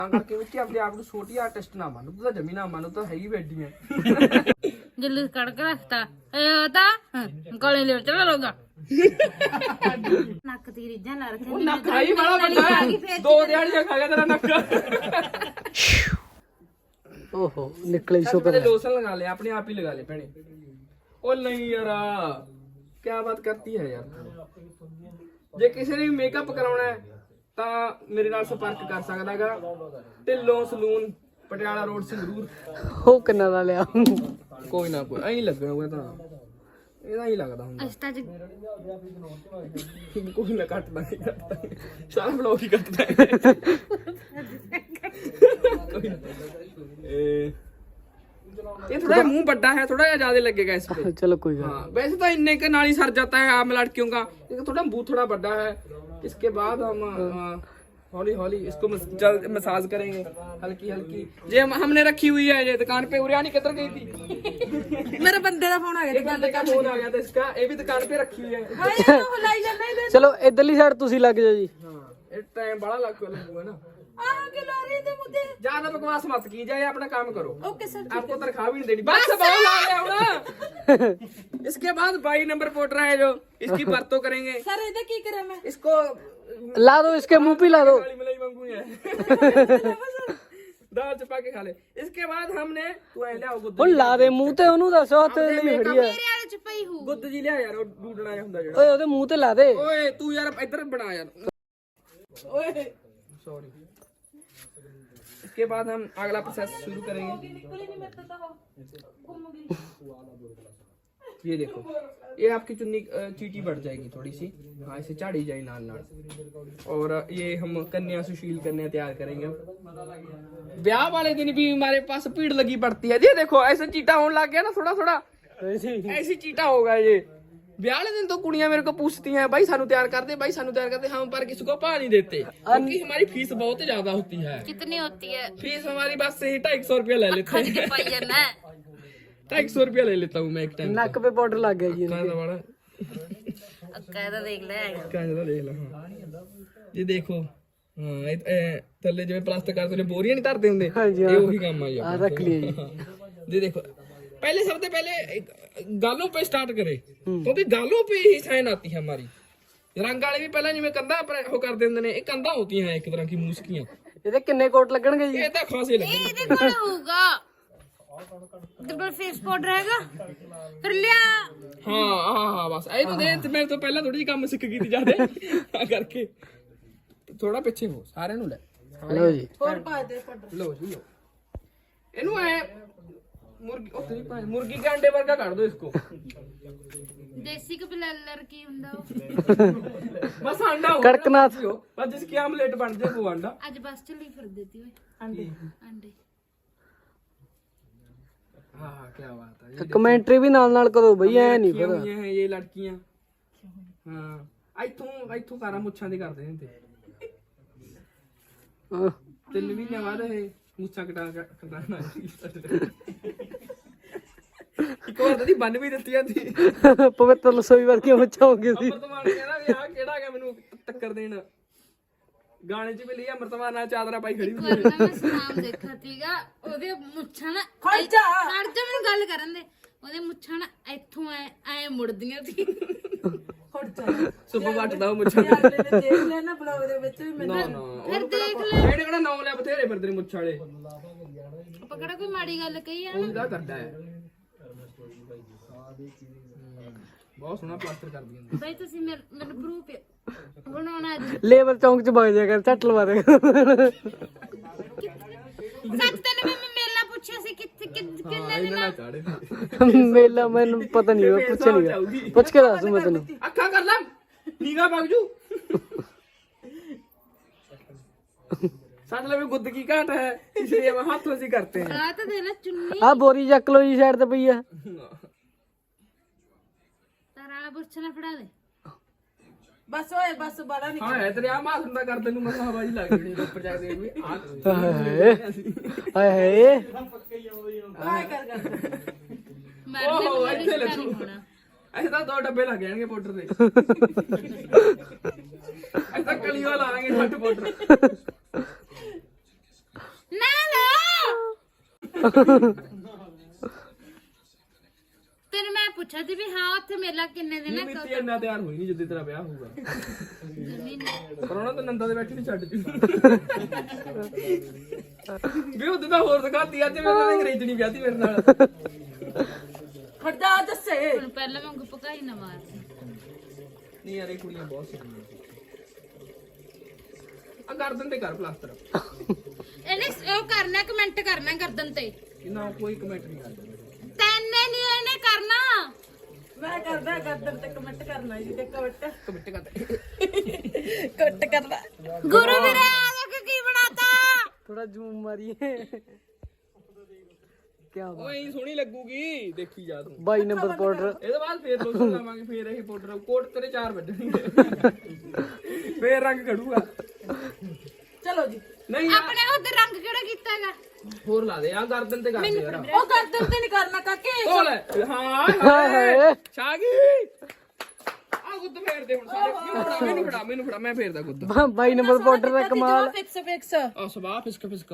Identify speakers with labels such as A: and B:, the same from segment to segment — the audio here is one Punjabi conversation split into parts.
A: ਕਰਕੇ ਵਿੱਚ ਆਪਣੇ ਆਪ ਨੂੰ ਛੋਟੀ ਆਰਟਿਸਟ ਨਾ ਮੰਨ, ਤੂੰ ਤਾਂ ਜਮੀ ਨਾ ਮੰਨ, ਤਾਂ ਹੈਗੀ ਬੈਠੀ ਹੈ।
B: ਜਲੂਸ ਕੱਢ ਕੇ ਰੱਖਤਾ ਤਾਂ ਕੋਲੇ ਲੈ ਚਲਾ ਲੋਗਾ ਨੱਕ ਦੀ ਰੀਝਾਂ ਲਾ ਰੱਖੇ
A: ਉਹ ਨੱਕ ਹੀ ਬੜਾ ਵੱਡਾ ਹੈ, 2 ਦਿਹਾੜੀਆਂ ਖਾ ਗਿਆ ਤੇਰਾ ਨੱਕ।
C: ਓਹੋ ਨਿਕਲੇ
A: सबसे पहले लोशन लगा ले, अपने आप ही लगा ले भैने। ओ नहीं यार, क्या बात करती है यार। जे किसी ने मेकअप कराना है तो मेरे नाल संपर्क कर सकदा गा। Dhillon salon Patiala road Sangrur.
C: ਉਹ ਕਿੰਨਾ ਦਾ ਲਿਆ
A: कोई ना कोई ऐ लगना होगा तो ਇਹਦਾ ਹੀ ਲੱਗਦਾ ਹੁੰਦਾ।
B: ਅਸਤਾ ਜੀ
A: ਕੋਈ ਨਾ ਕੱਟਦਾ ਨਹੀਂ, ਕੱਟਦਾ ਸਾਰਾ ਬਲੌਗ ਹੀ ਕੱਟਦਾ ਹੈ। ये थोड़ा मुंह बड़ा है, थोड़ा ज्यादा लगेगा इस पे।
C: ਚਲੋ ਕੋਈ ਗੱਲ
A: हाँ, वैसे तो इन्ने के नाल ही सर जाता है आम लड़कियों का, लेकिन थोड़ा मुंह थोड़ा बड़ा है। इसके बाद हम हौली हौली इसको मसाज करेंगे हल्की हल्की। ये हमने रखी हुई है ये दुकान पे। उरियानी किधर गई थी?
D: मेरे बंदे का फोन आ गया।
A: एक बंदे का फोन आ गया था इसका, ये भी दुकान पे रखी हुई है।
D: हाय यार हिलाई जाना इधर।
C: ਚਲੋ ਇਧਰਲੀ ਸਾਈਡ ਤੁਸੀਂ ਲੱਗ ਜਾਓ ਜੀ।
A: हाँ, ये टाइम बड़ा लगूगा ना।
D: आहा के ला रही थे मुझे।
A: ज्यादा बकवास मत कीजिए, अपना काम करो।
D: Okay sir.
A: आपको तनख्वाह भी नहीं देनी। बस बहुत आ गया होगा। इसके बाद 22 नंबर पोटर है जो इसकी परतों करेंगे।
D: सर इधर की करा मैं?
A: इसको
C: ਲਾ ਦੋ इसके मुंह पे ला दो।
A: काली मलाई वांगू है। दाल चपा के खा ले। इसके बाद हमने तू ऐ लिया गुद्द।
C: ਹੁਣ ਲਾ ਦੇ ਮੂੰਹ ਤੇ ਉਹਨੂੰ ਦੱਸ ਹੱਥ ਲਈ ਖੜੀ ਆ।
B: ਮੇਰੇ ਵਾਲੇ ਚ ਪਈ ਹੂ
A: गुद्द जी लिया यार, वो डूडना जिहा ਹੁੰਦਾ ਜਿਹੜਾ।
C: ਓਏ ਉਹਦੇ ਮੂੰਹ ਤੇ ਲਾ ਦੇ।
A: ओए तू यार इधर बना यार। ओए सॉरी। इसके बाद हम अगला प्रोसेस शुरू करेंगे। ये देखो, ये आपकी चुन्नी चीटी बढ़ जाएगी थोड़ी सी। हाँ, इसे झाड़ी जाए नाल नाल। और ये हम कन्या सुशील कन्या तैयार करेंगे। ब्याह वाले दिन भी हमारे पास भीड़ लगी पड़ती है। ये देखो ऐसे चीटा होने लग गया ना, थोड़ा थोड़ा ऐसी चीटा होगा ये। ब्याह वाले दिन तो कुड़ियां मेरे को पूछती हैं भाई सानू तैयार कर दे, भाई सानू तैयार कर दे। हम पर किसी को पा नहीं देते क्योंकि हमारी फीस बहुत ज्यादा होती है।
B: कितनी होती है?
A: फीस हमारी बस से ही 250 रुपया ले लेते
B: खर्च
A: हैं।
B: के पाई है ना
A: 250 रुपया ले लेता हूँ मैं एक टाइम।
C: ਨੱਕ 'ਤੇ ਪਾਊਡਰ ਲੱਗ ਗਿਆ ਜੀ।
A: कहाँ दबाना?
B: कहता देख ले
A: कहाँ ज्यादा देख लो। हाँ, ये देखो। हाँ, थल्ले जिवें प्लास्टिक करते ने बोरियां नहीं धरते हुंदे,
C: ਹਾਂਜੀ,
A: ये वही काम आई
C: ਆ ਰੱਖ ਲਿਆ ਜੀ।
A: ये देखो, पहले सबसे पहले गालों पे स्टार्ट करे क्योंकि गालों पे ही साइन आती है हमारी। रंग वाले भी पहले जिवें कंधा पर वो कर देंदे ने, ये कंधा होती हैं एक तरह की मूसकियां।
C: ਇਹਦੇ ਕਿੰਨੇ ਕੋਟ ਲੱਗਣਗੇ ਜੀ?
A: ये तो खासे लगे।
B: ਇਹਦੇ ਕੋਲ ਹੋਊਗਾ ਤੇ ਪਰ ਫੇਸ ਪਾਊਡਰ ਹੈਗਾ ਫਿਰ ਲਿਆ।
A: हाँ हाँ हाँ, बस ये तो दे मैं तो पहले थोड़ी जी काम सीख गई थी ज्यादा हाँ करके। थोड़ा पीछे हो, सारे नु ले
C: ਲਓ ਜੀ।
D: और पा दे पाउडर।
A: लो जी लो। इनू है मुर्गी, ओ तेरी भाई मुर्गी के अंडे वर्गा कर दो इसको।
B: ਦੇਸੀ ਕਪਲਰ ਕੀ ਹੁੰਦਾ ਉਹ
A: बस अंडा हो
C: कड़कनाथ।
A: बस जिसकी आमलेट बन जाए वो अंडा।
B: ਅੱਜ ਬਸ ਚੱਲੀ ਫਿਰ ਦੇਤੀ ਓਏ ਅੰਡੇ
A: हाँ हाँ, क्या बात है।
C: ਕਮੈਂਟਰੀ ਵੀ ਨਾਲ ਕਰੋ ਬਈ, ਐ ਨਹੀਂ
A: लड़कियां
C: ਪਤਾ।
A: हुई हैं ये लड़कियां। हाँ, इथों सारा मुच्छां दे करदे ने ते।
C: ਆਹ,
A: 3 महीने बाद ये मुच्छां कटाना। ਇੱਕ ਵਾਰ ਤਾਂ ਬੰਨ ਵੀ ਦਿੱਤੀਆਂ ਸੀ।
C: ਪਵਿੱਤਰ ਰਸੋਈ ਵਰਗੀਆਂ ਮੁੱਛਾਂ ਹੋ ਗਈਆਂ ਸੀ।
A: ਅਮਰਤਮਾਨ ਕਹਿੰਦਾ ਵੀ ਆਹ ਕਿਹੜਾ ਹੈਗਾ ਮੈਨੂੰ ਟੱਕਰ ਦੇਣ। ਗਾਣੇ 'ਚ ਵੀ ਲਈ ਅਮਰਤਮਾਨ ਨਾਲ ਚਾਦਰਾ ਪਾਈ ਖੜੀ ਹੁੰਦੀ
B: ਇੱਕ ਵਾਰ ਨਾ ਮੈਂ ਸੁਨਾਮ ਦੇਖਿਆ ਸੀਗਾ, ਉਹਦੇ ਮੁੱਛਾਂ ਨਾ
D: खड़ जा।
B: ਖੜ ਜਾ ਮੈਨੂੰ ਗੱਲ ਕਰਨ ਦੇ। ਉਹਦੇ ਮੁੱਛਾਂ ਨਾ ਇੱਥੋਂ ਐ ਮੁੜਦੀਆਂ ਸੀ।
D: खड़ जा।
A: ਸੁੱਪ ਵੱਟਦਾ ਉਹ ਮੁੱਛਾਂ।
D: यार मैंने देख लिया ना ब्लॉग दे ਵਿੱਚ ਵੀ
A: ਨਾ
D: ਮੈਨੂੰ।
A: ਨਾ ਫਿਰ ਦੇਖ ਲੈ। ਇਹਨੇ ਕਿਹੜਾ ਨਾਮ ਲਿਆ, ਬਥੇਰੇ ਫਿਰਦੇ ਨੇ ਮੁੱਛ ਵਾਲੇ।
B: ਆਪਾਂ ਕਿਹੜਾ ਕੋਈ ਮਾੜੀ ਗੱਲ ਕਹੀ ਆ।
A: ਉਹਦਾ ਕਰਦਾ ਹੈ। ਬਹੁਤ ਸੋਹਣਾ ਪਲਾਸਟਰ ਕਰਦੀਆਂ ਨੇ।
B: ਬਈ ਤੁਸੀਂ ਮੈਨੂੰ ਪ੍ਰੂਫ ਬਣਾਉਣਾ ਅੱਜ।
C: ਲੇਬਰ ਚੌਂਕ 'ਚ ਵਗ ਜਾ ਕਰ, ਝੱਟ ਲਵਾ ਦੇ।
B: ਸੱਚ ਤੈਨੂੰ ਮੈਂ ਮੇਲਾ ਪੁੱਛਿਆ ਸੀ ਕਿੱਥੇ ਕਿੰਨੇ
A: ਇਹਨਾਂ
B: ਦਿਨ
A: ਨਾਲ ਚਾੜੇ
C: ਮੇਲਾ ਮੈਨੂੰ ਪਤਾ ਨਹੀਂ, ਉਹ ਪੁੱਛ ਨਹੀਂ ਪੁੱਛ ਕੇ ਦੱਸ ਮੈਂ ਤੈਨੂੰ।
A: ਅੱਖਾਂ ਕਰ ਲੈ, ਨੀਗਾ ਵਗ ਜੂ। साथ में गुद्द की काट है इसलिए हम हाथों से करते हैं।
B: ਆ ਤਾਂ ਦੇ ਲੈ ਚੁੰਨੀ
C: ਆ ਬੋਰੀ ਚੱਕ ਲੋ ਜੀ, ਸਾਈਡ ਤੇ ਪਈ ਆ।
B: ਤਾਰਾ ਵਾਲਾ ਬੁਰਛ ਨਾ ਫੜਾ ਦੇ।
D: बस ओए बस बड़ा नहीं।
A: हाँ है तेरे आ मां सुनता कर तेनू मैं हवाजी लग गई ऊपर जाके देख भी
C: ਹਾਏ ਹਾਏ
D: काय कर
B: ਮਰਨੇ
A: ओहो
B: ਨੂੰ
A: ਇੱਥੇ
B: ਰਿਸ਼ਤਾ
A: ਲੱਗੂ
B: ਨਹੀਂ ਹੋਣਾ।
A: ऐसे तो 2 डब्बे लग जाएंगे पाउडर के। ऐसा कलियों लाएंगे 60 पाउडर।
B: ਤੈਨੂੰ ਮੈਂ ਪੁੱਛਿਆ ਸੀ ਵੀ ਹਾਂ ਉੱਥੇ ਮੇਲਾ ਕਿੰਨੇ ਦਿਨ ਹੈ
A: ਮਿੱਤੀ ਇੰਨਾ ਤਿਆਰ ਹੋਈ ਨਹੀਂ ਜਿੱਦੇ ਤੇਰਾ ਵਿਆਹ ਹੋਊਗਾ ਪਰ ਉਹਨਾਂ ਤਾਂ ਨੰਦਾ ਦੇ ਬੈਠੀ ਨਹੀਂ ਛੱਡ ਜੂ ਵੀ ਉਹਦੇ ਤਾਂ ਹੋਰ ਦਿਖਾਤੀ ਅੱਜ ਮੈਂ ਤਾਂ ਅੰਗਰੇਜ਼ਣੀ ਵਿਆਹਤੀ ਮੇਰੇ ਨਾਲ
D: ਖੜ ਜਾ ਦੱਸੇ
B: ਹੁਣ ਪਹਿਲਾਂ ਵਾਂਗੂ ਪਕਾਈ ਨਾ ਮਾਰ
A: ਨਹੀਂ ਯਾਰ ਇਹ ਕੁੜੀਆਂ ਬਹੁਤ ਸੋਹਣੀਆਂ ਆ ਗਰਦਨ ਤੇ ਕਰ ਪਲਾਸਟਰ
B: ਇਹਨੇ ਉਹ ਕਰਨਾ ਕਮੈਂਟ ਕਰਨਾ ਗਰਦਨ ਤੇ
A: ਇਹਨਾਂ ਕੋਈ ਕਮੈਂਟ ਨਹੀਂ ਕਰਦਾ
B: ਤੈਨੇ ਨਹੀਂ ਇਹਨੇ ਕਰਨਾ
D: ਮੈਂ ਕਰਦਾ ਗਰਦਨ ਤੇ ਕਮੈਂਟ ਕਰਨਾ ਜੀ ਤੇ ਕਮੈਂਟ
A: ਕਮੈਂਟ ਕਰਦਾ
D: ਕਰਦਾ
B: ਗੁਰੂ ਵੀਰੇ ਆ ਦੇਖ ਕੀ ਬਣਾਤਾ
C: थोड़ा जूम मारिए क्या बात
A: ਓਏ ਇਹ ਸੋਹਣੀ ਲੱਗੂਗੀ ਦੇਖੀ ਜਾ ਤੂੰ
C: 22 नंबर पाउडर
A: ਇਹਦੇ ਬਾਅਦ ਫੇਰ ਲੋਸ਼ਨ ਲਾਵਾਂਗੇ ਫੇਰ ਇਹ ਪਾਊਡਰ ਕੋਟ ਤੇਰੇ 4 ਵੱਜਣਗੇ ਫੇਰ ਰੰਗ ਖੜੂਗਾ
D: ਚਲੋ ਜੀ
A: ਨਹੀਂ
B: ਆਪਣੇ ਉਧਰ ਰੰਗ ਕਿਹੜਾ ਕੀਤਾ ਹੈਗਾ
A: ਹੋਰ ਲਾ ਦੇ ਆ ਗਰਦਨ ਤੇ ਕਰ ਦੇ ਯਾਰ
D: ਉਹ ਗਰਦਨ ਤੇ ਨਹੀਂ ਕਰਨਾ ਕਾਕੇ
A: ਢੋਲ ਹਾਂ
C: ਹਾਏ।
A: ਛਾਗੀ ਆ ਗੁੱਦ ਫੇਰ ਦੇ ਹੁਣ ਸਾਰੇ ਮੈਨੂੰ ਫੜਾ ਮੈਂ ਫੇਰਦਾ ਗੁੱਦ
C: 22 नंबर पाउडर का कमाल
D: ਫਿਕਸ
A: ਆ ਸਵਾਹ ਫਿਸਕ ਫਿਸਕਾ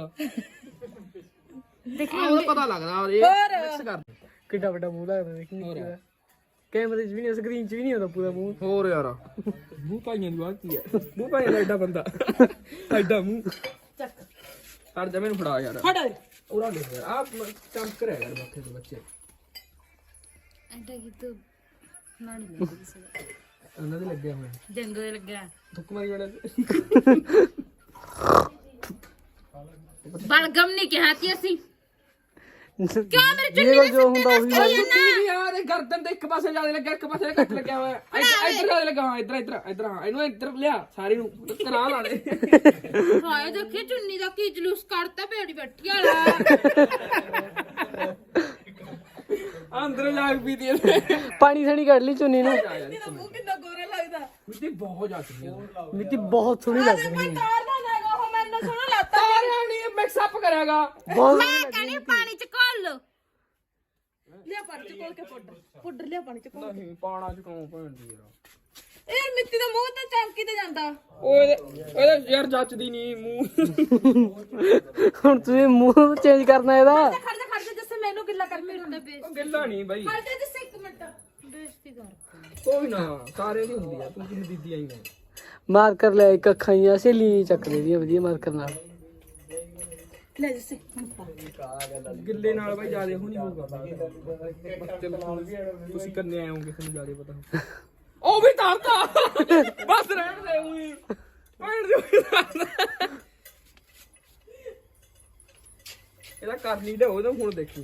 B: ਦੇਖੀ
A: ਉਹਦਾ ਪਤਾ ਲੱਗਦਾ ਇਹ ਮਿਕਸ ਕਰ
C: कितना बड़ा मुंह लगता है देखने
A: और
C: का कैमरे च भी नहीं स्क्रीन च भी नहीं होता पूरा मुंह
A: ਹੋਰ ਯਾਰ ਮੂੰਹ ਭਾਈਆਂ ਦੀ ਬਾਤ ਕੀ ਹੈ ਮੂੰਹ ਭਾਈਆਂ ਦਾ ਐਡਾ ਬੰਦਾ ਐਡਾ ਮੂੰਹ
D: ਚੱਕ
A: ਹਟ ਜਾ ਮੈਨੂੰ ਫੜਾ ਯਾਰ
D: ਫੜ
A: ਉਰਾ ਦੇਖ ਯਾਰ ਆਪ ਚਮਕ ਰਿਹਾ ਯਾਰ ਬੱਚੇ ਤੋਂ ਬੱਚੇ
B: ਐਡਾ ਕੀ ਤੂੰ ਨਾੜੀ ਲੱਗੀ ਸੀ
A: ਉਹਨਾਂ ਦੇ ਲੱਗਿਆ ਹੋਇਆ
B: ਡੰਗੋ ਲੱਗਿਆ
A: ਥੁੱਕ ਮਾਰੀ ਵਾਲੇ
B: ਬਲਗਮ ਨਹੀਂ ਕਿਹਾ ਸੀ ਅਸੀਂ ਕਿਉਂ ਮੇਰੇ
C: ये
B: ਚੁੰਨੀ
C: जो होता वही
A: ਯਾਰ ਇਹ ਗਰਦਨ ਤੇ ਇੱਕ ਪਾਸੇ ਜਿਆਦਾ ਲੱਗਾ ਇੱਕ ਪਾਸੇ ਘੱਟ ਲੱਗਿਆ ਹੋਇਆ ਇੱਧਰ ਜਿਆਦਾ ਲੱਗਾ ਹਾਂ ਇੱਧਰ ਹਾਂ ਇਹਨੂੰ ਇੱਧਰ ਲਿਆ ਸਾਰੇ ਨੂੰ ਕਰਾ ਲਾ ਦੇ
B: ਹਾਏ ਦੇਖੀ ਚੁੰਨੀ ਦਾ ਕੀ ਜਲੂਸ ਕੱਢਤਾ ਭੇੜੀ ਬੈਠੀ ਵਾਲਾ
A: ਅੰਦਰ ਜਾਗ ਪੀ ਦੀ
C: पानी सनी कर ली चुन्नी ने
D: ਇਹਦਾ ਮੂੰਹ ਕਿੰਨਾ ਗੋਰਾ ਲੱਗਦਾ
A: ਮਿੱਟੀ ਬਹੁਤ ਜਾ ਚੁੱਕੀ ਹੈ
C: मिट्टी बहुत सोहनी लग रही है
D: ਤਾਰ ਨਾ ਲੈਗਾ ਉਹ ਮੈਨੂੰ ਸੋਹਣਾ ਲੱਗਦਾ
A: ਤਾਰਿਆਂ ਨਹੀਂ ਮਿਕਸ ਅਪ ਕਰਿਆਗਾ
C: बहुत
B: ਮੈਂ ਕਹਿੰਦੀ ਪਾਣੀ ਚ ਘੋਲ ਲੋ
D: ਲਿਆ ਪਾਣੀ ਚ ਕੋਲ ਕੇ ਪਾਊਡਰ ਲਿਆ ਪਾਣੀ ਚ ਕੋਲ
A: ਨਹੀਂ ਪਾਣਾ ਚ ਕਿਉਂ ਭੈਣਦੀ ਯਾਰ
D: ਇਹ ਮਿੱਟੀ ਦਾ ਮੂੰਹ ਤਾਂ ਚਮਕੀ ਤੇ ਜਾਂਦਾ
A: ਉਹਦੇ ਯਾਰ ਜੱਚਦੀ ਨਹੀਂ ਮੂੰਹ
C: ਹੁਣ ਤੁਸੀਂ ਮੂੰਹ ਚੇਂਜ ਕਰਨਾ ਇਹਦਾ
D: ਖੜ ਜਾ ਜਿਸਸੇ ਮੈਨੂੰ ਗਿੱਲਾ ਕਰ ਮੇਰੇ
B: ਹੁੰਦਾ ਬੇਇੱਜ਼ਤੀ
A: ਉਹ ਗਿੱਲਾ ਨਹੀਂ ਬਾਈ
D: ਖੜ ਜਾ ਜਿਸਸੇ ਇੱਕ ਮਿੰਟ
B: ਬੇਇੱਜ਼ਤੀ ਕਰ
A: ਕੋਈ ਨਾ ਸਾਰੇ ਦੀ ਹੁੰਦੀ ਆ ਤੂੰ ਕਿਹਦੀ ਦੀਦੀ ਆਈ ਹੈ
C: ਮਾਰਕਰ ਲੈ ਇੱਕ ਅੱਖਾਂ ਹੀ ਸਹੇਲੀ ਚੱਕ ਦੇ ਦੀ ਵਧੀਆ ਮਾਰਕਰ ਨਾਲ
D: ਲੈ ਜਿਸਸੇ
A: ਗਿੱਲੇ ਨਾਲ ਬਾਈ ਜਿਆਦੇ ਹੋ ਨਹੀਂ ਹੋਊਗਾ ਬੱਚੇ ਤੁਸੀਂ ਕੰਨੇ ਆਏ ਹੋਗੇ ਤੁਹਾਨੂੰ ਜਿਆਦੇ ਪਤਾ ਉਹ ਵੀ ਤਾਰਤਾ ਬਸ ਰਹਿਣ ਦੇ ਉਹੀ ਭੈਣ ਦੀ ਇਹਦਾ ਕਰ ਨਹੀਂ ਦੇ ਉਹਦਾ ਹੁਣ ਦੇਖੀ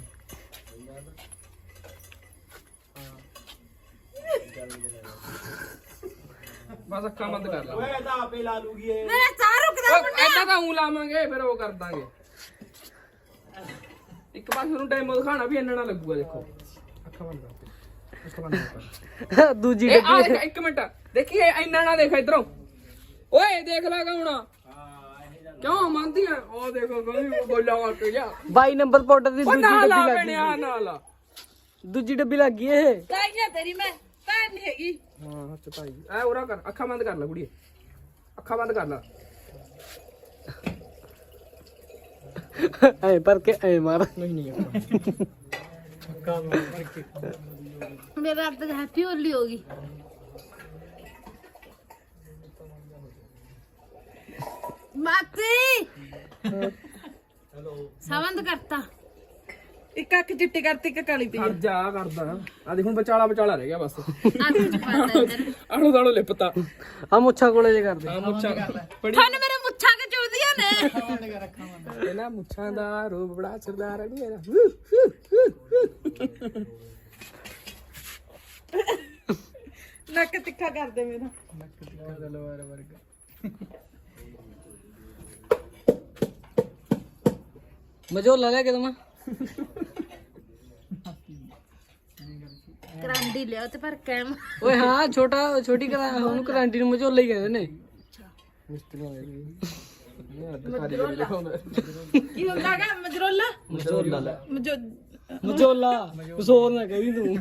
A: ਬਸ ਅੱਖਾਂ ਬੰਦ ਕਰ ਲਾ
D: ਮੇਰਾ ਸਾਹ ਰੁਕਦਾ
A: ਐਦਾਂ ਤਾਂ ਊਂ ਲਾਵਾਂਗੇ ਫਿਰ ਉਹ ਕਰ ਦਾਂਗੇ ਇੱਕ ਪਾਸੇ ਨੂੰ ਟਾਈਮ ਦਿਖਾਣਾ ਵੀ ਇੰਨਾ ਨਾ ਲੱਗੂਗਾ ਦੇਖੋ ਅੱਖਾਂ ਬੰਦ ਕਰ ਅੱਖਾਂ ਬੰਦ ਕਰ
C: ਦੂਜੀ
A: ਇਹ ਆ ਦੇਖ ਇੱਕ ਮਿੰਟ ਦੇਖੀ ਇਹ ਇੰਨਾ ਨਾ ਦੇਖ ਇਧਰੋਂ ਓਏ ਦੇਖ ਲੈ ਕੌਣਾ ਕਿਉਂ ਮੰਨਦੀ ਆ ਉਹ ਦੇਖੋ ਕੋਈ ਬੋਲਾ ਮਾਰ ਕੇ ਜਾ
C: 22 ਨੰਬਰ ਪਾਊਡਰ ਦੀ
A: ਉਹ
C: ਦੂਜੀ
A: ਨਾ ਲਾ
C: ਡੱਬੀ ਲੱਗ
A: ਬਣਿਆ ਨਾ ਲਾ
C: ਗਈ ਦੂਜੀ ਡੱਬੀ ਲੱਗ ਗਈ ਇਹ
D: ਕਾਈਆਂ ਤੇਰੀ ਮੈਂ ਭੈਣ ਨਹੀਂ ਹੈਗੀ
A: ਹਾਂ ਹੱਥ ਭਾਈ ਐ ਉਰਾ ਕਰ ਅੱਖਾਂ ਬੰਦ ਕਰ ਲੈ ਕੁੜੀਏ ਅੱਖਾਂ ਬੰਦ ਕਰ ਲੈ
C: ਐ ਪਰ ਕੇ ਐ ਮਾਰ
A: ਨਹੀਂ
B: ਮੇਰਾ ਅੱਜ ਹੈਪੀ ਹੋਲੀ ਹੋਗੀ ਮਾਤੀ ਸਾਵੰਦ ਕਰਤਾ
D: ਇੱਕ ਅੱਖ ਚਿੱਟੀ ਕਰਤੀ ਇੱਕ ਕਾਲੀ ਪਈ
A: ਕਰ ਜਾ ਕਰਦਾ ਆ ਦੇਖ ਹੁਣ ਵਿਚਾਲਾ ਰਹਿ ਗਿਆ ਬਸ
B: ਅੱਖ ਚ ਪਾਤਾ ਇੱਧਰ
A: ਆਲੂ ਦਾਲੋ ਲਿਪਤਾ
C: ਆ ਮੁੱਛਾਂ ਕੋਲੇ ਜੇ ਕਰਦੇ
A: ਆ ਮੁੱਛਾਂ ਬੜੀ
B: ਤੁਹਾਨੂੰ ਮੇਰੇ ਮੁੱਛਾਂ ਕਿ ਚੁੱਦੀਆਂ ਨੇ
A: ਇਹਨਾਂ ਮੁੱਛਾਂ ਦਾ ਰੂਪ ਬੜਾ ਸਰਦਾਰ ਹੈ ਨੀ ਮੇਰਾ
D: ਨੱਕ ਤਿੱਖਾ ਕਰਦੇ ਮੇਰਾ
C: ਮਜੋਲਾ ਲੈ ਕੇ ਦਮਾ
B: ਕਰਾਂਡੀ ਲਿਆ ਤੇ ਪਰ ਕੈਮ
C: ਓਏ ਹਾਂ ਛੋਟੀ ਕਰਾ ਉਹਨੂੰ ਕਰਾਂਟੀ ਨੂੰ ਮਜੋਲਾ ਹੀ ਕਹਿੰਦੇ ਨੇ
D: ਕੀ ਹੁੰਦਾ ਹੈਗਾ ਮਜਰੋਲਾ
C: ਮਜੋਲਾ ਲੈ
D: ਮਜੋ
C: ਮਜੋਲਾ ਕੁਛ ਹੋਰ ਨਾ ਕਹੀ ਤੂੰ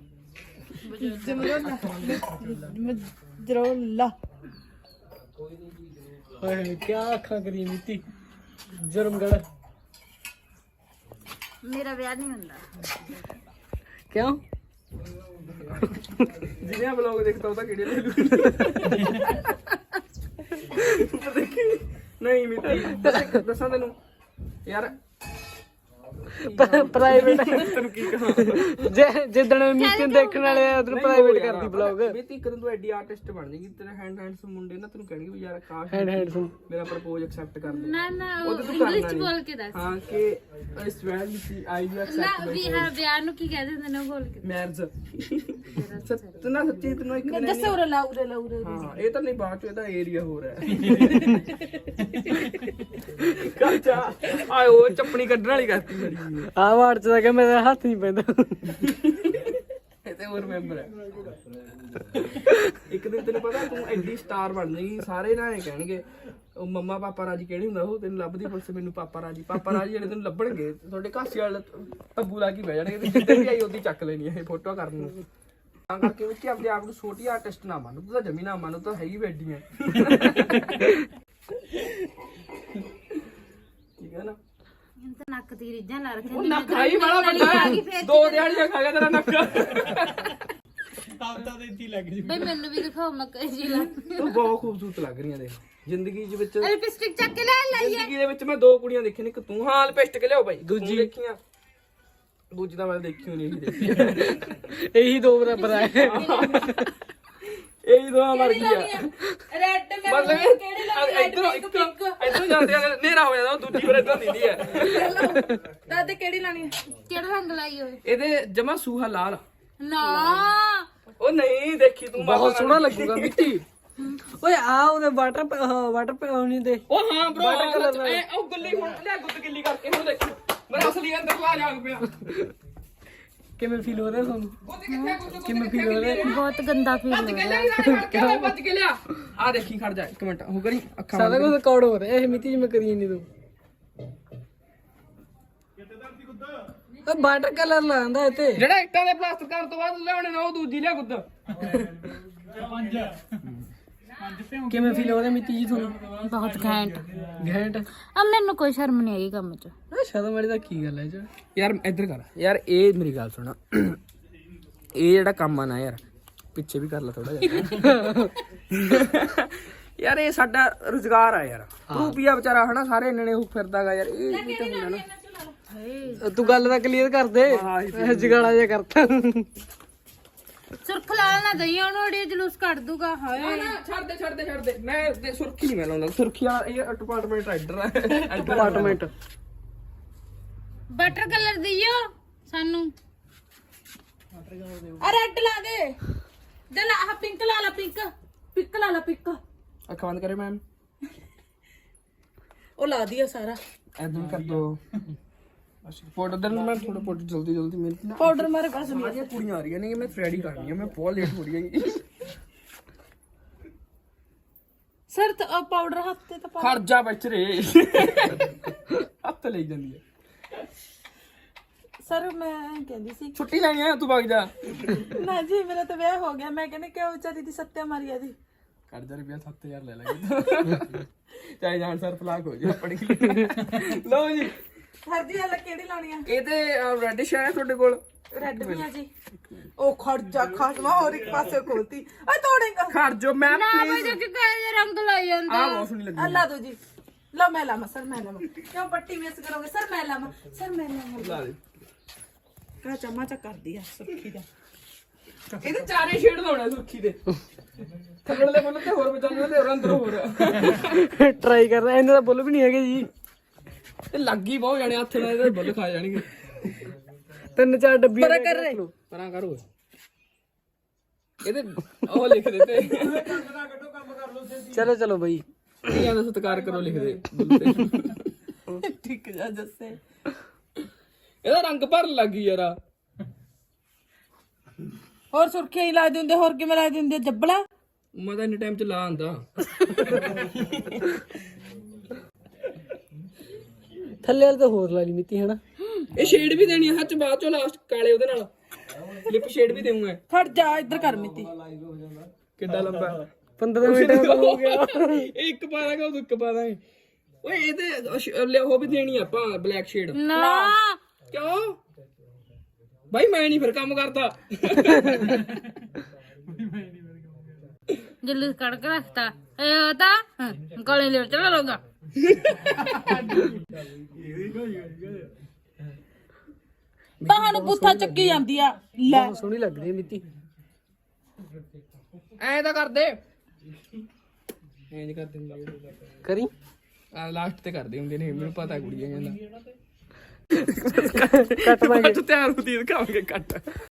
D: ਮਜਰੋਲਾ
C: ਓਏ ਕੀ ਅੱਖਾਂ ਕਰੀ ਮਿੱਟੀ ਜਰਮਗੜ
B: ਮੇਰਾ ਵਿਆਹ ਨਹੀਂ ਹੁੰਦਾ।
C: ਕਿਉਂ?
A: ਜਿਹਨੇ ਵਲੌਗ ਦੇਖਦਾ ਉਹ ਤਾਂ ਕਿਹੜੇ ਲੈ ਲੂ ਨਹੀਂ ਮਿੱਤੀ ਦੱਸਾਂ ਤੈਨੂੰ ਯਾਰ
C: ਪ੍ਰਾਈਵੇਟ
A: ਤੈਨੂੰ ਕੀ ਕਹਾਂ
C: ਜਿੱਦਣ ਮੀਟਿੰਗ ਦੇਖਣ ਵਾਲੇ ਆ ਉਧਰ ਪ੍ਰਾਈਵੇਟ ਕਰਦੀ ਬਲੌਗ।
A: ਮਿੱਤੀ ਇੱਕ ਦਿਨ ਤੂੰ ਐਡੀ ਆਰਟਿਸਟ ਬਣ ਜਾਏਗੀ, ਤੇਰੇ ਹੈਂਡਸ ਮੁੰਡੇ ਨਾ ਤੈਨੂੰ ਕਹਿਣਗੇ ਵੀ ਯਾਰ ਕਾਸ਼
C: ਹੈਂਡ
A: ਮੇਰਾ ਪ੍ਰਪੋਜ਼ ਐਕਸੈਪਟ ਕਰ ਦੇ।
B: ਨਾ ਨਾ
A: ਉਹ ਤਾਂ ਤੂੰ
B: ਇੰਗਲਿਸ਼
A: ਕਰਨਾ
B: ਚ
A: ਨੀ।
B: ਬੋਲ ਕੇ ਦੱਸ।
A: ਹਾਂ ਕਿ ਇਸ ਵੈਲ ਵਿੱਚ ਆਈ ਯੂ
B: ਨਾ
A: ਐਕਸੈਪਟ
B: ਵੀ ਹਾਂ ਵਿਆਹ ਨੂੰ ਕੀ ਕਹਿ ਦਿੰਦੇ ਨੇ ਉਹ ਬੋਲ ਕੇ।
A: ਮੈਰਿਜ ਸੱਚ ਨਾ ਸੱਚੀ ਤੈਨੂੰ ਇੱਕ ਦਿਨ
D: ਦੱਸੇ ਉਰੇ ਲਾ ਉਰੇ ਲਾ ਉਰੇ
A: ਹਾਂ ਇਹ ਤਾਂ ਨਹੀਂ ਬਾਅਦ ਚ ਇਹਦਾ ਏਰੀਆ ਹੋ ਰਿਹਾ ਕਾਚਾ ਆਏ ਉਹ ਚੱਪਣੀ ਕੱਢਣ ਵਾਲੀ ਕਰਤੀ ਬੜੀ
C: ਆਹ ਵਾਰ ਚ ਤਾਂ ਕਿ ਮੇਰਾ ਹੱਥ ਨਹੀਂ ਪੈਂਦਾ।
A: ਇਹ ਤੇ ਹੋਰ ਮੈਂਬਰ ਹੈ। ਇੱਕ ਦਿਨ ਤੈਨੂੰ ਪਤਾ ਤੂੰ ਐਡੀ ਸਟਾਰ ਬਣ ਜਾਏਗੀ, ਸਾਰੇ ਨਾ ਇਹ ਕਹਿਣਗੇ ਉਹ ਮੰਮਾ ਪਾਪਾ ਰਾਜੀ ਕਿਹੜੀ ਹੁੰਦਾ, ਉਹ ਤੈਨੂੰ ਲੱਭਦੀ ਪੁਲਿਸ ਮੈਨੂੰ ਪਾਪਾ ਰਾਜੀ ਜਿਹੜੇ ਤੈਨੂੰ ਲੱਭਣਗੇ ਤੁਹਾਡੇ ਘਾਸੇ ਵਾਲੇ ਤੱਬੂ ਲਾ ਕੇ ਬਹਿ ਜਾਣਗੇ ਤੇ ਜਿੱਦਾਂ ਵੀ ਆਈ ਉਹਦੀ ਚੱਕ ਲੈਣੀ ਹੈ ਫੋਟੋ ਕਰਨ ਨੂੰ। ਤਾਂ ਕਰਕੇ ਵਿੱਚ ਆਪਣੇ ਆਪ ਨੂੰ ਛੋਟੀ ਆਰਟਿਸਟ ਨਾ ਮੰਨ, ਤੂੰ ਤਾਂ ਜਮੀ ਨਾ ਮੰਨ, ਤੂੰ ਤਾਂ ਹੈ ਹੀ ਬੈਠੀ ਹੈ ਠੀਕ ਹੈ ਨਾ।
B: ਤਾਂ ਨੱਕ ਦੀ ਰੀਝਾਂ ਲਾ ਰੱਖੀਆਂ
A: ਉਹ ਨੱਕ ਆਈ ਬੜਾ ਵੱਡਾ ਹੈ, 2 ਦਿਹਾੜੀਆਂ ਖਾ ਗਿਆ ਤੇਰਾ ਨੱਕ।
B: ਬਈ ਮੈਨੂੰ ਵੀ ਦਿਖਾਓ ਮੈਂ ਕਹੀ ਜੀ ਲਾ
A: ਤੂੰ ਬਹੁਤ ਖੂਬਸੂਰਤ ਲੱਗ ਰਹੀ ਹੈ ਦੇਖ ਜ਼ਿੰਦਗੀ ਦੇ ਵਿੱਚ।
B: ਲਿਪਸਟਿਕ ਚੱਕ ਕੇ ਲੈ ਲਾਈਏ।
A: ਜ਼ਿੰਦਗੀ ਦੇ ਵਿੱਚ ਮੈਂ 2 ਕੁੜੀਆਂ ਦੇਖੀਆਂ ਨੇ, ਇੱਕ ਤੂੰ ਹਾਂ ਲਿਪਸਟਿਕ ਲਿਆਓ ਬਾਈ, ਦੂਜੀ ਦੇਖੀਆਂ ਦੂਜੀ ਤਾਂ ਮੈਂ ਦੇਖੀ ਹੋਣੀ ਇਹੀ ਦੇਖੀ
C: ਇਹੀ ਦੋ ਬਰਾਬਰ ਆ।
A: ਇਹੀ ਦੋਹਾਂ ਮਰ ਗਈ ਆ
D: ਰੈੱਡ
A: ਮਤਲਬ ਇਧਰੋਂ ਇਧਰੋਂ ਜਾਂਦੇ ਆ ਹਨੇਰਾ ਹੋ ਜਾਂਦਾ, ਦੂਜੀ ਫਿਰ ਇਧਰੋਂ ਦਿੰਦੀ ਹੈ।
D: ਦਾਦੇ ਕਿਹੜੀ ਲਾਣੀ ਹੈ?
B: ਕਿਹੜਾ ਰੰਗ ਲਾਈ ਹੋਏ?
A: ਇਹਦੇ ਜਮਾ ਸੂਹਾ ਲਾਲ।
B: ਨਾ
A: ਉਹ ਨਹੀਂ ਦੇਖੀ ਤੂੰ
C: ਬਹੁਤ ਸੋਹਣਾ ਲੱਗੂਗਾ ਮਿੱਟੀ। ਓਏ ਆ ਉਹਦੇ ਵਾਟਰ ਪਾਉਣੀ ਦੇ।
A: ਉਹ ਹਾਂ ਬ్రో ਉਹ ਗੁੱਲੀ ਹੁਣ ਲੈ ਗੁੱਦ ਗਿੱਲੀ ਕਰਕੇ ਹੁਣ ਦੇਖੀ ਮੇਰਾ ਅਸਲੀ ਅੰਦਰ ਲਾ ਜਾਗ ਪਿਆ।
C: ਕਿਵੇਂ ਫੀਲ ਹੋ ਰਿਹਾ ਤੁਹਾਨੂੰ?
A: ਗੁੱਦ ਕਿੱਥੇ ਗੁੱਦ
C: ਕਿਵੇਂ feel ਹੋ ਰਿਹਾ?
B: ਬਹੁਤ ਗੰਦਾ ਫੀਲ ਹੋ ਰਿਹਾ।
A: ਬੱਜ ਕੇ ਲਿਆ ਆ ਦੇਖੀ ਖੜ ਜਾ ਇੱਕ ਮਿੰਟ ਉਹ ਕਰੀ ਅੱਖਾਂ
C: ਸਾਰਾ ਕੁਝ ਰਿਕਾਰਡ ਹੋ ਰਿਹਾ ਇਹ ਮਿੱਟੀ ਜਿਵੇਂ ਕਰੀ ਨਹੀਂ ਤੂੰ। ਉਹ ਵਾਟਰ ਕਲਰ ਲਾਉਂਦਾ ਇੱਥੇ।
A: ਜਿਹੜਾ ਇੱਟਾਂ ਦੇ ਪਲਾਸਟਰ ਕਰਨ ਤੋਂ ਬਾਅਦ ਲਿਆਉਣੇ ਨੇ ਉਹ ਦੂਜੀ ਲਿਆ ਗੁੱਦ।
C: ਕਿਵੇਂ ਫੀਲ ਹੋ ਰਿਹਾ ਮਿੱਟੀ ਜੀ ਤੁਹਾਨੂੰ?
B: ਬਹੁਤ ਘੈਂਟ।
C: ਘੈਂਟ।
B: ਆ ਮੈਨੂੰ ਕੋਈ ਸ਼ਰਮ ਨਹੀਂ ਆਈ ਕੰਮ 'ਚ।
C: ਸ਼ਰਮ ਵਾਲੀ ਦਾ ਕੀ ਗੱਲ ਹੈ ਜੀ?
A: ਯਾਰ ਇੱਧਰ ਕਰ ਯਾਰ, ਇਹ ਮੇਰੀ ਗੱਲ ਸੁਣਾ, ਇਹ ਜਿਹੜਾ ਕੰਮ ਆ ਨਾ ਯਾਰ ਪਿੱਛੇ ਵੀ ਕਰ ਲੈ ਥੋੜਾ ਜਿਹਾ ਯਾਰ ਇਹ ਸਾਡਾ ਰੁਜ਼ਗਾਰ ਆ ਯਾਰ। ਰੂਪੀਆ ਵਿਚਾਰਾ ਹਨਾ ਸਾਰੇ ਇੰਨੇ ਉਹ ਫਿਰਦਾਗਾ ਯਾਰ, ਇਹ ਵੀ ਤਾਂ ਹੁੰਦਾ ਨਾ।
C: ਤੂੰ ਗੱਲ ਤਾਂ ਕਲੀਅਰ ਕਰ ਦੇ, ਜਗਾੜਾ ਜਿਹਾ ਕਰਤਾ।
B: ਸੁਰਖ ਲਾਲ ਨਾ ਦਈ ਉਹਨੂੰ ਅੜੀ ਜਲੂਸ ਕੱਢ ਦੂਗਾ। ਹਾਏ
A: ਛੱਡ ਦੇ ਮੈਂ ਸੁਰਖੀ ਨਹੀਂ ਮੈਂ ਲਾਉਂਦਾ, ਸੁਰਖੀ ਆ ਇਹ ਡਿਪਾਰਟਮੈਂਟ ਰਾਈਡਰ ਆ
C: ਡਿਪਾਰਟਮੈਂਟ।
B: ਬਟਰ ਕਲਰ ਦਿਓ ਸਾਨੂੰ।
D: ਆ ਰੈੱਡ ਲਾ ਦੇ ਦੇ ਲਾ, ਆਹ ਪਿੰਕ ਲਾ ਲਾ, ਪਿੰਕ ਲਾ ਲਾ, ਪਿੰਕ
A: ਅੱਖਾਂ ਬੰਦ ਕਰੇ ਮੈਮ।
D: ਉਹ ਲਾ ਦਿਆ ਸਾਰਾ
A: ਐਦਾਂ ਕਰ ਦੋ ਪਾਊਡਰ ਦੇ ਮੈਂ ਥੋੜਾ ਪਾਊਡਰ ਜਲਦੀ ਮੇਰੇ ਨਾ
D: ਪਾਊਡਰ ਮਾਰੇ ਪਾਸ ਨਹੀਂ।
A: ਸਾਰੀਆਂ ਕੁੜੀਆਂ ਆ ਰਹੀਆਂ ਨੇ, ਮੈਂ ਥ੍ਰੈਡ ਹੀ ਕਰਨੀ ਆ, ਮੈਂ ਬਹੁਤ ਲੇਟ ਹੋ ਰਹੀ ਹਾਂ
D: ਸਰ ਤਾਂ ਪਾਊਡਰ ਹੱਥ ਤੇ ਤਾਂ ਪਾ।
A: ਖਰਜਾ ਵਿੱਚ ਰੇ ਹੱਥ ਲਈ ਜਾਂਦੀ ਹੈ।
D: ਸਰ ਮੈਂ ਕਹਿੰਦੀ ਸੀ
A: ਛੁੱਟੀ ਲੈਣੀ ਆ ਤੂੰ ਵਗ ਜਾ।
D: ਨਾ ਜੀ ਮੇਰਾ ਤਾਂ ਵਿਆਹ ਹੋ ਗਿਆ, ਮੈਂ ਕਹਿੰਦੀ ਕਿਉਂ ਵਿਚਾਰੀ ਦੀ ਸੱਤਿਆ ਮਾਰੀ ਆ ਜੀ।
A: ਕਰਜ਼ਾ ਰੁਪਿਆ 7000 ਲੈ ਲਾਂਗੇ ਚਾਹੇ ਜਾਣ ਸਰ ਫਲਾਕ ਹੋ ਜਾ ਪੜੀ ਲਓ ਜੀ।
D: ਸਰ ਜੀ ਹਲ ਕਿਹੜੀ ਲਾਉਣੀ ਆ?
A: ਇਹ ਤੇ ਰੈਡਿਸ਼ ਹੈ ਤੁਹਾਡੇ ਕੋਲ?
D: ਰੈੱਡ ਵੀ ਆ ਜੀ। ਉਹ ਖਰਜਾ ਖਾਸਵਾ ਹੋਰ ਇੱਕ ਪਾਸੇ ਖੋਲਤੀ ਆ ਤੋੜੇਗਾ।
A: ਖਰਜੋ ਮੈਮ
B: ਨਾ ਬਈ
A: ਪਲੀਜ਼।
B: ਜੋ ਕਿ ਕਾਲੇ ਰੰਗ ਲਾਈ ਜਾਂਦਾ।
A: ਆ ਬਹੁਤ ਸੋਹਣੀ ਲੱਗੀ
D: ਅੱਲਾ ਦੋ ਜੀ। ਲਓ ਮੈਂ ਲਾਵਾਂ ਸਰ, ਮੈਂ ਲਾਵਾਂ। ਕਿਉਂ ਪੱਟੀ ਮਿਸ ਕਰੋਗੇ ਸਰ? ਮੈਂ ਲਾਵਾਂ ਸਰ, ਮੈਂ ਲਾਵਾਂ।
A: ਲਾ ਦੇ।
D: ਕਾ ਚਮਚਾ ਕਰਦੀ ਆ ਸੁਰਖੀ ਦਾ।
A: ਇਹਦੇ ਚਾਰੇ ਸ਼ੇਡ ਲਾਉਣੇ ਸੁਰਖੀ ਦੇ, ਥੱਲੜੇ ਬੁੱਲ ਤੇ ਹੋਰ ਬਚਾਉਣੇ ਤੇ ਹੋਰ ਅੰਦਰ ਹੋਰ।
C: ਟਰਾਈ ਕਰ ਰਿਹਾ, ਇਹਨਾਂ ਦਾ ਬੁੱਲ ਵੀ ਨਹੀਂ ਹੈਗੇ ਜੀ।
A: ਤੇ ਲੱਗੀ ਬਹੁਤ ਜਾਣੇ ਹੱਥ ਨਾਲ ਇਹਦੇ ਬੁੱਲ ਖਾ ਜਾਣਗੇ।
C: 3-4 ਡੱਬੀਆਂ
D: ਪਰਾਂ ਕਰ ਰਹੇ।
A: ਪਰਾਂ ਕਰੋ ਇਹਦੇ ਉਹ ਲਿਖ ਦੇ ਤੇ
C: ਚਲੋ ਬਈ
A: ਧੀਆਂ ਦਾ ਸਤਿਕਾਰ ਕਰੋ ਲਿਖ ਦੇ ਬੁੱਲ ਤੇ।
D: ਠੀਕ ਜਾ ਜੱਸੇ।
A: ਇਹਦਾ ਰੰਗ ਭਰਨ ਲੱਗੀ ਯਾਰਾ।
D: ਹੋਰ ਸੁਰਖੀਆਂ ਹੀ ਲਾ ਦਿੰਦੇ, ਹੋਰ ਕਿਵੇਂ ਲਾ ਦਿੰਦੇ? ਜੱਬਲਾ
A: ਮੈਂ ਤਾਂ ਇੰਨੇ ਟਾਈਮ ਚ ਲਾ ਆਂਦਾ।
C: ਥੱਲੇ ਵਾਲੇ ਤਾਂ ਹੋਰ ਲਾ ਲਈ ਮਿੱਟੀ ਹਨਾ।
A: ਇਹ ਸ਼ੇਡ ਵੀ ਦੇਣੀ ਹੈ ਸੱਚ, ਬਾਅਦ ਚੋਂ ਲਾਸਟ ਕਾਲੇ ਉਹਦੇ ਨਾਲ ਲਿਪ ਸ਼ੇਡ ਵੀ ਦੇਵਾਂਗਾ।
D: ਖੜ ਜਾ ਇੱਧਰ ਕਰ ਮਿੱਤੀ।
A: ਕਿੱਡਾ ਲੰਬਾ
C: 15 ਮਿੰਟ ਹੋ ਗਿਆ।
A: ਇਹ ਇੱਕ ਪਾ ਦਾਂਗਾ ਉਹ ਇੱਕ ਪਾ ਦਾਂਗੇ। ਓਏ ਇਹਦੇ ਉਹ ਵੀ ਦੇਣੀ ਆਪਾਂ ਬਲੈਕ ਸ਼ੇਡ।
B: ਨਾ
A: ਕਿਉਂ ਬਾਈ ਮੈਂ ਨਹੀਂ ਫਿਰ ਕੰਮ ਕਰਦਾ।
B: ਜਲੂਸ ਕੱਢ ਕੇ ਰੱਖਤਾ ਇਹ ਤਾਂ ਗਲੇ ਲੈ ਚਲਾ ਲੋਗਾ।
D: ਤੁਹਾਨੂੰ ਪੁੱਠਾ ਚੱਕੀ ਜਾਂਦੀ ਆ ਲੈ।
C: ਬਹੁਤ ਸੋਹਣੀ ਲੱਗ ਰਹੀ ਹੈ ਮਿੱਤੀ।
A: ਐਂ ਤਾਂ ਕਰਦੇ ਐਂ ਕਰਦੇ ਹੁੰਦੇ
C: ਕਰੀ
A: ਆ ਲਾਸਟ ਤੇ ਕਰਦੇ ਹੁੰਦੇ ਨੇ ਮੈਨੂੰ ਪਤਾ ਕੁੜੀਆਂ ਕਹਿੰਦਾ
C: ਕੱਟ ਦਾਂਗੇ
A: ਤਿਆਰ ਹੁੰਦੀ ਦਿਖਾਵਾਂਗੇ ਕੱਟ।